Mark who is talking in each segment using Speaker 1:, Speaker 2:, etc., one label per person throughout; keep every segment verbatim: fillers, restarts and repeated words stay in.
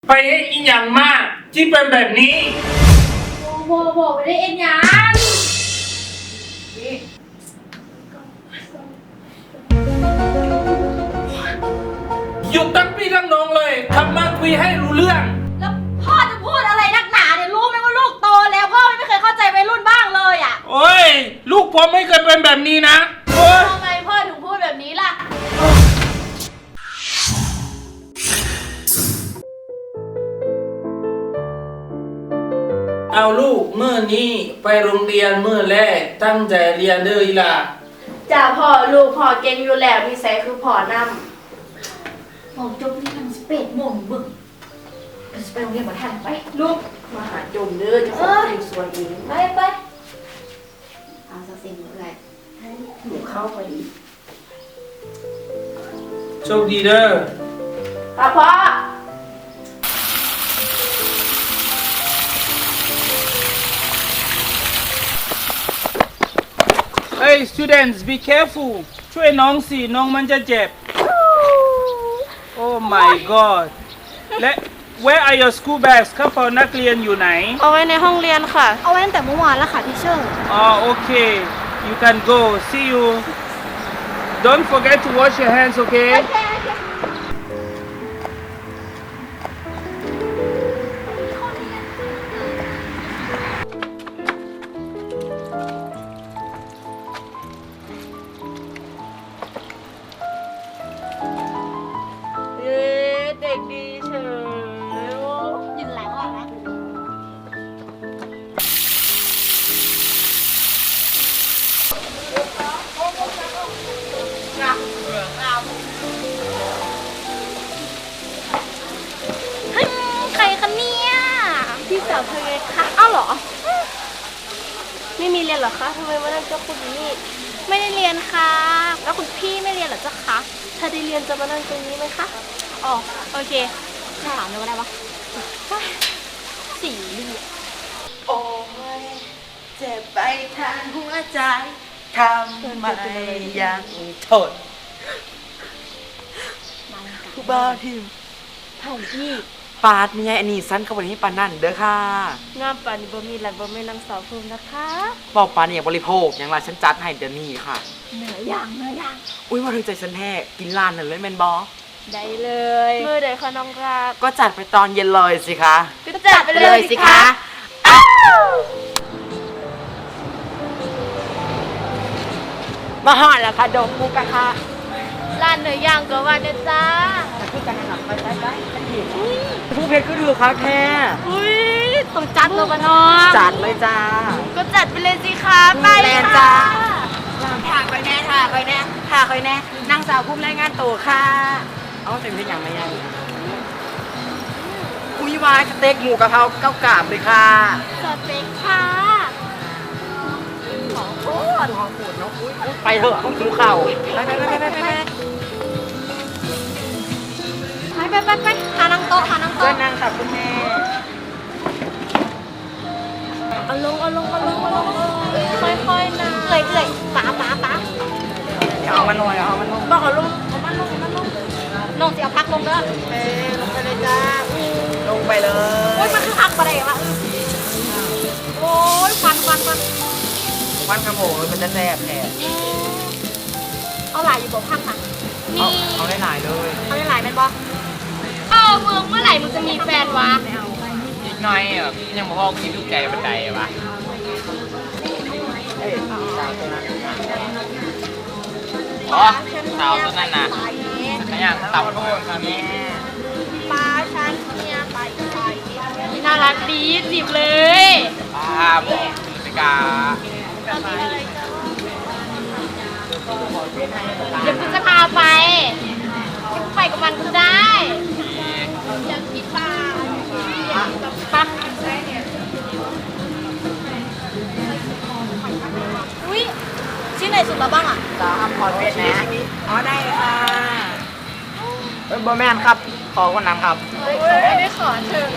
Speaker 1: ไปเอ็นอีหยังมากที่เป็นแบบนี้
Speaker 2: โอ้โหบอกไม่ได้เอ็นยัง
Speaker 1: หยุดตั้งพี่ตั้งน้องเลยทำมาคุยให้รู้เรื่อง
Speaker 2: แล้วพ่อจะพูดอะไรนักหนาเนี่ยรู้ไหมว่าลูกโตแล้วพ่อไม่เคยเข้าใจวัยรุ่นบ้างเลยอ่ะ
Speaker 1: โอ้ยลูกผมไม่เคยเป็นแบบนี้นะโอ้ย
Speaker 2: ทำไมพ่อถึงพูดแบบนี้ล่ะ
Speaker 1: เอาลูกเมื่อนี้ไปโรงเรียนเมื่อแรกตั้งใจเรียนเด้ออีล่ะ
Speaker 2: จ้าพ่อลูกพ่อเก่งอยู่แล้วนิสัยคือพ่อนำผมจบที่ทำสเปดโมงบึกจะไปโรงเรียนมาทันไปลูกมาหาจมเด้อจะขอคิวสวยเองไปไปเอาสักสิ่งเลยหนูเข้าพอดี
Speaker 1: โชคดีเด้อ
Speaker 2: ครับพ่อ
Speaker 1: เฮ้ย students be careful ช่วยน้องสิน้องมันจะเจ็บ Oh my god และ Where are your school bags กระเป๋านักเรียนอยู่ไหน
Speaker 3: เอาไว้ในห้องเรียนค่ะเอาไว้ตั้งแต่เมื่อวานแล้วค่ะทีเชอร์
Speaker 1: อ๋อโอเค you can go see you don't forget to wash your hands okay
Speaker 3: เด็กดีเฉยยืนหลังก่อนนะเฮ้ยใครคะเนี่ยพี่สาวเธอไงคะอ้าวเหรอไม่มีเรียนเหรอคะทำไมมานั่งเจ้าคุณอยู่นี่ไม่ได้เรียนค่ะแล้วคุณพี่ไม่เรียนเหรอเจ้าคะถ้าได้เรียนจะมานั่งตรงนี้ไหมคะอ๋อโอเคถามเลยว่าได้ปะสี่เรีย
Speaker 4: โอ้ยเจ็บไปทางหัวใจทำไมยังทนผู้บ่าวทีม
Speaker 3: เท่าพี่
Speaker 4: ปาดมีไงอันนี้สั้นเข้าไปที่ปานนั่นเด้อค่ะ
Speaker 3: งามปานนี้บ่มีหลังบ่มีนางสาวภูมินะคะ
Speaker 4: บอกปานนี่อย่างบริโภคอย่างไรฉันจัดให้เดี๋ยวนี้ค่ะ
Speaker 3: เหนือย่างเหนือย่าง
Speaker 4: อุ้ยมาถึงใจฉันแท้กินร้านนั่นเลยแมนบอ
Speaker 3: ได้เลยเมื่อใดคะน้องรัก
Speaker 4: ก็จัดไปตอนเย็นเลยสิคะ
Speaker 3: ก็จัดไปเลยสิคะ
Speaker 4: มาห่อแล้วค่ะดงมูกะค่ะ
Speaker 3: ร้านเนื้อย่างก็ว่าเด้อจ้า
Speaker 4: พูดกันหนักไปใช่ไหมฉันเห็นผู้เพชรก็ดูค่ะแค่
Speaker 3: อุ้ยต้องจัดตัวกันน้อง
Speaker 4: จัดเลยจ้า
Speaker 3: ก็จัดไปเลยสิคะไป
Speaker 4: จ้าถ่ายไปแน่ถ่ายไปแน่ถ่ายไปแน่นางสาวพุ่มรายงานตัวค่ะเอาเต็มที่อย่างไรยังอุ้ยวายสเต็กหมูกะเพราเก้ากาบเลยค่ะ
Speaker 3: สเต็กค่ะ
Speaker 4: ของโคตรของโคตรเนาะไปเถอะต้องกินข้าวไปไปไปไปไปไป
Speaker 3: ไปไปไปหานั่งโต๊ะหานั่งโต๊ะ
Speaker 4: เพื่อนนั่งค่ะคุณแม่
Speaker 3: เอาลงเอาลงเอาลงเอาลงค่อยๆนะเอื่อยเอื่อยป๋าป๋าป๋า
Speaker 4: เอามันหน่อยเอามันลง
Speaker 3: บอกเอาลงเอามันลงเอามันลงลงสิเอาพักลงเด้อ
Speaker 4: เออลงไปเลยจ้าลงไปเลย
Speaker 3: โอ้ยมันคือพักอะไรวะโอ้ยควันควันควัน
Speaker 4: ควันกระโปงมันจะแสบแผล
Speaker 3: เอาหลายอยู่บอกพักค่ะ
Speaker 4: นี่เอาได้หลายเลย
Speaker 3: เอาได้หลายเป็นบอเออมึงเมื่อไหร่มึงจะมีแฟนวะ
Speaker 1: อีกหน่อยอ่ะยังบอกว่ากินลูกไก่บันไดวะอ๋อสาวตัวนั้นนะขยันตับโทษครับแม่
Speaker 3: ปลาชันเนี่ยไปไปน่ารักดีจีบเลย
Speaker 1: ป้าบอกสิกา
Speaker 3: เดี๋ยวกูจะพาไปกูไปกับมันก็ได้อยากกินปลาปลาอุ้ยชิ้นไหนสุดแล้วบ้างอ่ะ
Speaker 4: สาวขอเวทนะอ๋อได้ค่ะเออบอแมนครับขอคนนั้นครับ
Speaker 3: ไม่ได้ขอเชิญ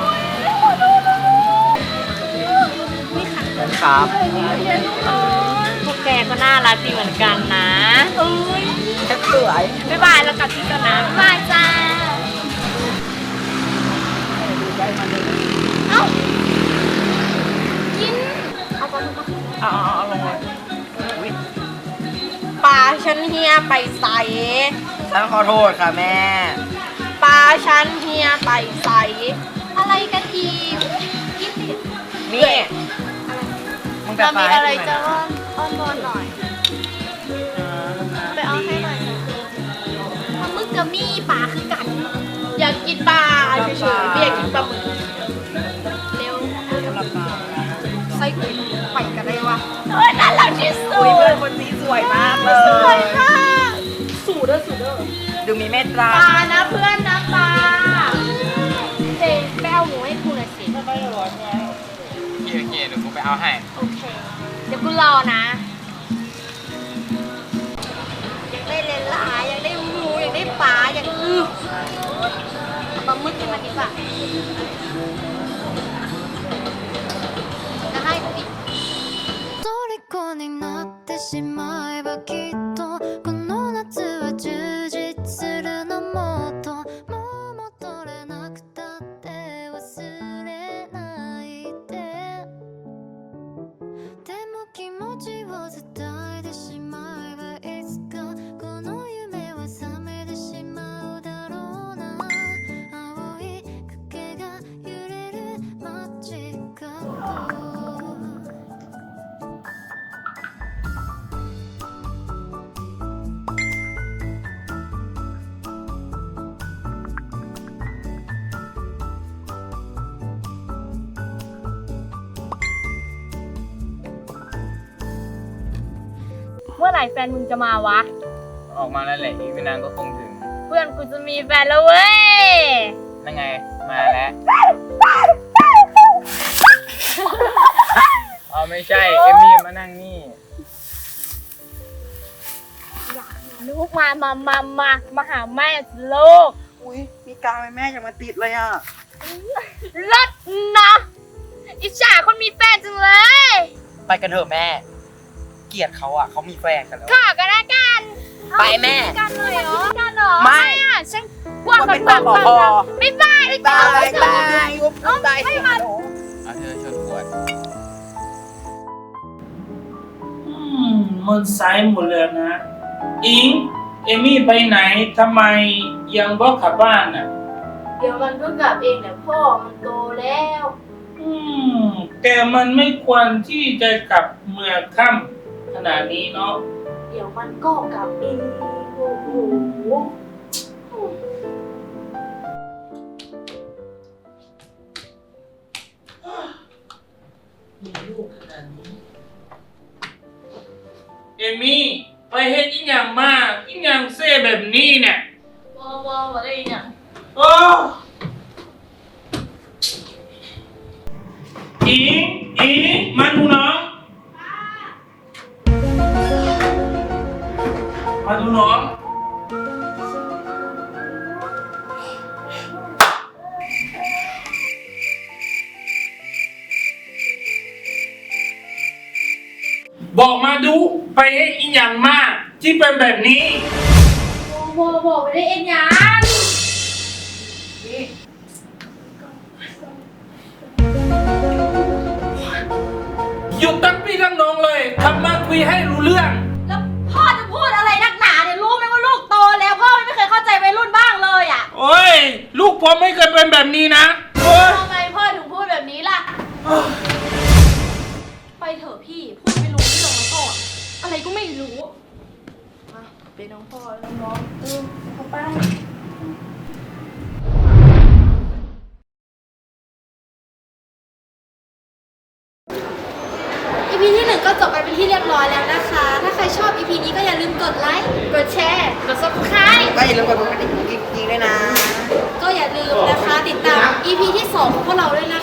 Speaker 3: นี่ค่ะ
Speaker 4: ครับ
Speaker 3: พวกแกก็น่ารักดีเหมือนกันนะเอ้ย
Speaker 4: สวย
Speaker 3: บ๊ายบายแล้วกลับที่กันนะบ๊ายบายจ้า
Speaker 4: เอาเอาลงเลยปลาฉันเฮียไปใส่ฉันขอโทษค่ะแม่ปลาฉันเฮียไปใส่อะไรกันอีกกินดินี่มึงจะมีอะไรจะอ้อนอ้อนวอนหน่อยไปเอาให้หน่อยปลาหมึกกับมี่ปลาคือกันอยากกินปลาเฉยๆไม่อยากกินปลาหมึกเร็วไส้กุยไปกันได้วะเฮ้ยน่ารักที่สุดเพื่อนคนนี้สวยมากเลยสวยมากสูดเด้อสูดเด้อดูมีเมตตาปลานะเพื่อนนะปลาเจไปเอาหมูให้กูหน่อยสิไม่ไม่ร้อนไงโอเคโอเคเดี๋ยวกูไปเอาให้โอเคเดี๋ยวกูรอนะอยากได้เลนลาอยากได้หมูอยากได้ปลาอยากอื้อปลาหมึกกินมาดีกว่าจะให้กูอีก
Speaker 5: 虜になってしまえばきっとこの夏は充実するのもっともう戻れなくたって忘れないででも気持ちを伝えてしまえばいつかこの夢は覚めてしまうだろうな青い影が揺れる街角
Speaker 3: เมื่อไหร่แฟนมึงจะมาวะ
Speaker 1: ออกมาแล้วแหละอีกไม่นานก็คงถึง
Speaker 3: เพื่อนกูจะมีแฟนแล้วเว้ย
Speaker 1: นั่นไงมาแล้วอ๋อไม่ใช่เอมี่มานั่งนี่
Speaker 3: ลูกมามามามามาหาแม่ลูก
Speaker 4: อุ้ยมีกาวแม่ยังมาติดเลยอ่ะ
Speaker 3: เลิศนะอิจฉาคนมีแฟนจังเลย
Speaker 4: ไปกันเถอะแม่เกลียดเขาอ่ะเขามีแฟนกันแล้ว
Speaker 3: ขอกันละกัน
Speaker 4: ไปแม่
Speaker 3: กันเลยเหรอกันเหรอ
Speaker 4: ไม่
Speaker 3: อ่ะฉันกว้างกันปังปังไม่บายไม่บายไม่บาย
Speaker 4: ยุบไปไม่
Speaker 1: เ
Speaker 4: มา
Speaker 1: อาเธอชนขวด
Speaker 6: อืมมันสายหมดเลยนะอิงเอมี่ไปไหนทำไมยังบอกกลับบ้านน่ะ
Speaker 2: เดี๋ยวมันก็กลับเองแหละพ่อมันโตแล้ว
Speaker 6: อืมแต่มันไม่ควรที่จะกลับเมื่อค่ำขนาดนี้เนาะ
Speaker 2: เดี๋ยวมันก็กลับเองโอ้โห
Speaker 6: มีลูกขนาดนี้เอมี่ไปเฮ็ดอีหยังมากอีหยังเซ่แบบนี้เนี่ย
Speaker 2: ว้าวว้าวอะไรเนี่ย
Speaker 6: โอ้อิงอิงมาดูน้องมาดูน้องบอกมาดูไปให้อีหยังมากที่เป็นแบบนี้
Speaker 2: โว้โว้ไปได้เอ็นยัง
Speaker 6: หยุดตั้งพี่ตั้งน้องเลยทำมาคุยให้รู้เรื่อง
Speaker 3: แล้วพ่อจะพูดอะไรนักหนาเนี่ยรู้ไหมว่าลูกโตแล้วพ่อไม่เคยเข้าใจวัยรุ่นบ้างเลยอ่ะ
Speaker 6: โอ้ยลูกผมไม่เคยเป็นแบบนี้นะ
Speaker 2: ทำไมพ่อถึงพูดแบบนี้ล่ะไปเถอะพี่พูดไม่รู้เรื่องแล้วก็อะไรก็ไม่รู้มาเป็นน้องพ่อแล้วน้องเออเข้าไป
Speaker 5: อี พี ที่หนึ่งก็จบไปเป็นที่เรียบร้อยแล้วนะคะ ถ้าใครชอบ อี พี นี้ก็อย่าลืมกดไลค์
Speaker 2: กดแชร์ กด ซับสไครบ์
Speaker 4: ก็อย่าลืมกดกระดิ่งจริงๆด้วยนะ
Speaker 5: ก็อย่าลืมนะคะติดตาม อี พี ที่สองของพวกเราด้วยนะ